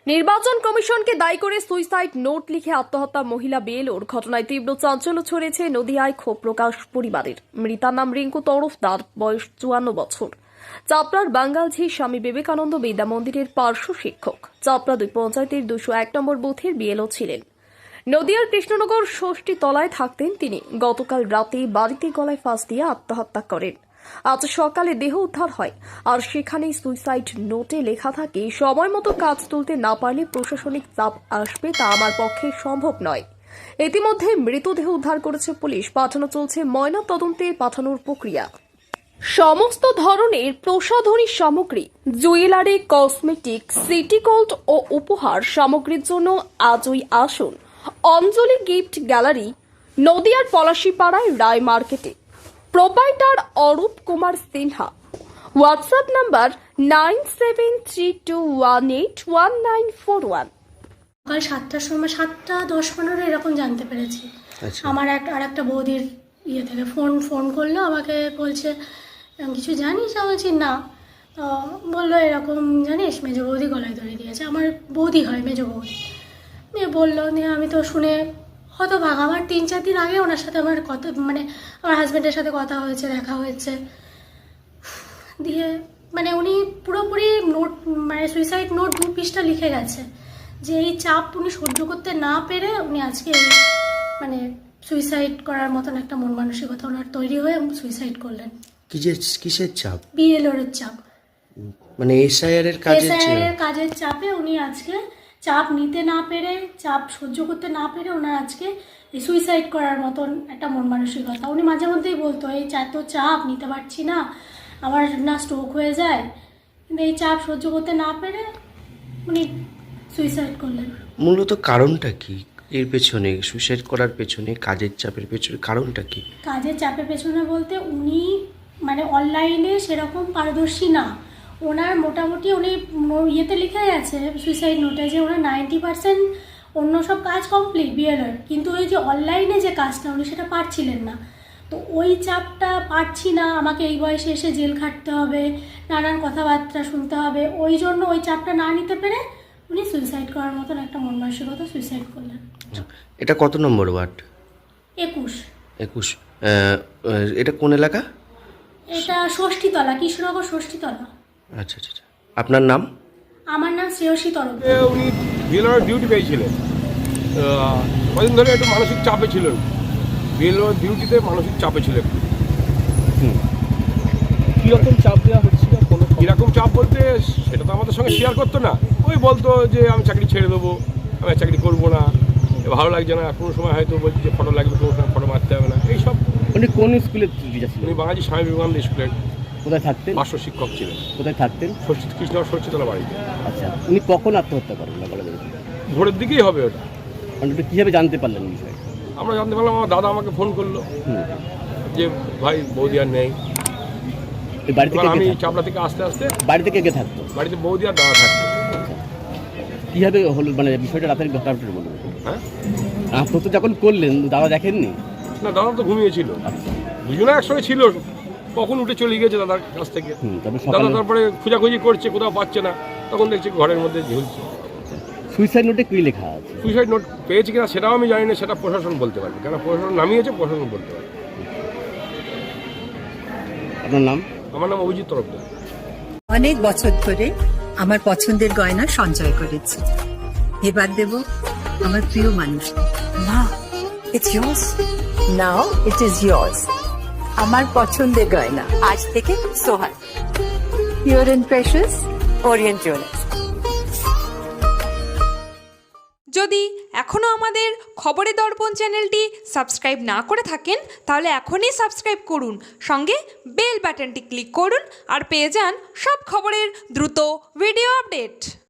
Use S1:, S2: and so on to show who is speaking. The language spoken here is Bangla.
S1: নির্বাচন কমিশনকে দায়ী করে সুইসাইড নোট লিখে আত্মহত্যা মহিলা বিএলওর ঘটনায় তীব্র চাঞ্চল্য ছড়িয়েছে নদিয়ায় ক্ষোভ প্রকাশ পরিবারের। মৃতার নাম রিঙ্কু তরফদার, বয়স 54 বছর। চাপড়ার বাঙ্গালঝি স্বামী বিবেকানন্দ বিদ্যা মন্দিরের পার্শ্ব শিক্ষক। চাপড়া 2 পঞ্চায়েতের 201 নম্বর বুথের বিএলও ছিলেন। নদিয়ার কৃষ্ণনগর ষষ্ঠী তলায় থাকতেন তিনি। গতকাল রাতে বাড়িতে গলায় ফাঁস দিয়ে আত্মহত্যা করেন। আজ সকালে দেহ উদ্ধার হয়, আর সেখানেই সুইসাইড নোটে লেখা থাকে, সময় মতো কাজ তুলতে না পারলে প্রশাসনিক চাপ আসবে, তা আমার পক্ষে সম্ভব নয়। ইতিমধ্যে মৃতদেহ উদ্ধার করেছে পুলিশ, পাঠানো চলছে ময়না তদন্তে পাঠানোর প্রক্রিয়া। সমস্ত ধরনের প্রসাধনী সামগ্রী, জুয়েলারি, কসমেটিক, সিটি গোল্ড ও উপহার সামগ্রীর জন্য আজই আসুন অঞ্জলি গিফট গ্যালারি, নদিয়ার পলাশীপাড়ায় রায় মার্কেটে। Proprietor Arup Kumar Sinha. WhatsApp number 9732181941।
S2: সকাল 7টার সময় 7:10-15 এরকম জানতে পেরেছি। আমার একটা বৌদির ইয়ে থেকে ফোন করলো, আমাকে বলছে কিছু জানিস? আমি বলছি না। তো বললো এরকম জানিস মেজো বৌদি গলায় দড়ি দিয়েছে। আমার বৌদি হয়, মেজো বৌদি। নিয়ে বললো, নিয়ে আমি তো শুনে হতভাগ। আমার 3-4 দিন আগে ওনার সাথে আমার কথা, মানে আমার হাজব্যান্ডের সাথে কথা হয়েছে, দেখা হয়েছে। দিয়ে মানে উনি পুরোপুরি নোট, মানে সুইসাইড নোট 2 পৃষ্ঠা লিখে গেছে যে এই চাপ উনি সহ্য করতে না পেরে উনি আজকে মানে সুইসাইড করার মতন একটা মন মানসিকতা ওনার তৈরি হয়ে সুইসাইড করলেন।
S3: কিসের চাপ?
S2: বিএলওর চাপ,
S3: মানে এসআইআর এর
S2: কাজের চাপে উনি আজকে চাপ নিতে না পেরে, চাপ সহ্য করতে না পেরে ওনার আজকে এই সুইসাইড করার মতন একটা মন মানসিকতা। উনি মাঝে মধ্যেই বলতো এই এত চাপ নিতে পারছি না, আমার না স্ট্রোক হয়ে যায়। কিন্তু এই চাপ সহ্য করতে না পেরে উনি সুইসাইড করলেন।
S3: মূলত কারণটা কি এর পেছনে, সুইসাইড করার পেছনে, কাজের চাপের পেছনে কারণটা কি?
S2: কাজের চাপের পেছনে বলতে উনি মানে অনলাইনে সেরকম পারদর্শী না। ওনার মোটামুটি উনি ইয়েতে লিখে গেছে সুইসাইড নোটে যে ওনার 90% অন্য সব কাজ কমপ্লিট বিএলওর, কিন্তু ওই যে অনলাইনে যে কাজটা উনি সেটা পারছিলেন না। তো ওই চাপটা পারছি না, আমাকে এই বয়সে এসে জেল খাটতে হবে, নানান কথাবার্তা শুনতে হবে, ওই জন্য ওই চাপটা না নিতে পেরে উনি সুইসাইড করার মতন একটা মন মানসিকতা সুইসাইড করলেন।
S3: এটা কত নম্বর ওয়ার্ড?
S2: 21।
S3: এটা কোন এলাকা?
S2: এটা ষষ্ঠীতলা, কৃষ্ণনগর ষষ্ঠীতলা।
S3: আচ্ছা। আপনার নাম?
S2: আমার নাম শ্রেয়সী তরফ।
S4: উনি বিএলওর ডিউটি পেয়েছিলেন, কদিন ধরে একটু মানসিক চাপে ছিলেন। বিএলওর ডিউটিতে মানসিক চাপে ছিলেন।
S5: কীরকম চাপ দেওয়া হচ্ছিল?
S4: কীরকম চাপ বলতে সেটা তো আমাদের সঙ্গে শেয়ার করতো না। ওই বলতো যে আমি চাকরি ছেড়ে দেবো, আমি চাকরি করবো না, ভালো লাগছে না, কোনো সময় হয়তো বলছি যে ফটো লাগবে, কোনো সময় ফটো মারতে হবে না, এইসব।
S5: উনি কোন স্কুলের টিচার ছিলেন?
S4: উনি বাঙালি স্বামী বিবেকানন্দ স্কুলের
S5: কোথায় থাকতেন?
S4: পার্শ্ব শিক্ষক ছিলেন।
S5: কোথায় থাকতেন?
S4: কৃষ্ণনগর ষষ্ঠীতলা বাড়িতে।
S5: আচ্ছা, উনি কখন আত্মহত্যা করেন?
S4: ভোরের দিকেই হবে ওটা।
S5: মানে কীভাবে জানতে পারলেন বিষয়?
S4: আমরা জানতে পারলাম, আমার দাদা আমাকে ফোন করলো যে ভাই বৌদি আর নেই।
S5: বাড়ি থেকে
S4: আমি চাপড়া থেকে আসতে
S5: বাড়ি থেকে কে থাকতো?
S4: বাড়িতে বৌদি আর দাদা থাকতো।
S5: কীভাবে হলো মানে বিষয়টা রাতের ঘটনাটা বলুন।
S4: হ্যাঁ,
S5: আত্মহত্যা যখন করলেন দাদা দেখেননি?
S4: না, দাদা তো ঘুমিয়েছিল। দুজনে একসঙ্গে ছিল, কখন উঠে চলে গিয়েছে দাদার কাছ থেকে। দাদা তারপরে খোঁজাখুঁজি করছে, কোথাও পাচ্ছে না, তখন দেখছি ঘরের মধ্যে ঝুলছে।
S5: সুইসাইড নোটে কী লেখা আছে?
S4: সুইসাইড নোট পেয়েছে কিনা সেটাও আমি জানি না, সেটা প্রশাসন বলতে পারবে, কেন প্রশাসন নামিয়েছে, প্রশাসন বলতে পারবে।
S5: আপনার নাম?
S4: আমার নাম অভিজিৎ তরফদার।
S6: অনেক বছর ধরে আমার পছন্দের গয়না সঞ্চয় করেছি, এবার দেব আমার প্রিয় মানুষ।
S7: মা, it's yours. Now it is yours. আমার পছন্দের গয়না আজ থেকে Sohag, pure and precious, Orient Jewellers.
S8: যদি এখনও আমাদের খবরের দর্পণ চ্যানেলটি সাবস্ক্রাইব না করে থাকেন তাহলে এখনই সাবস্ক্রাইব করুন, সঙ্গে বেল বাটনটি ক্লিক করুন আর পেয়ে যান সব খবরের দ্রুত ভিডিও আপডেট।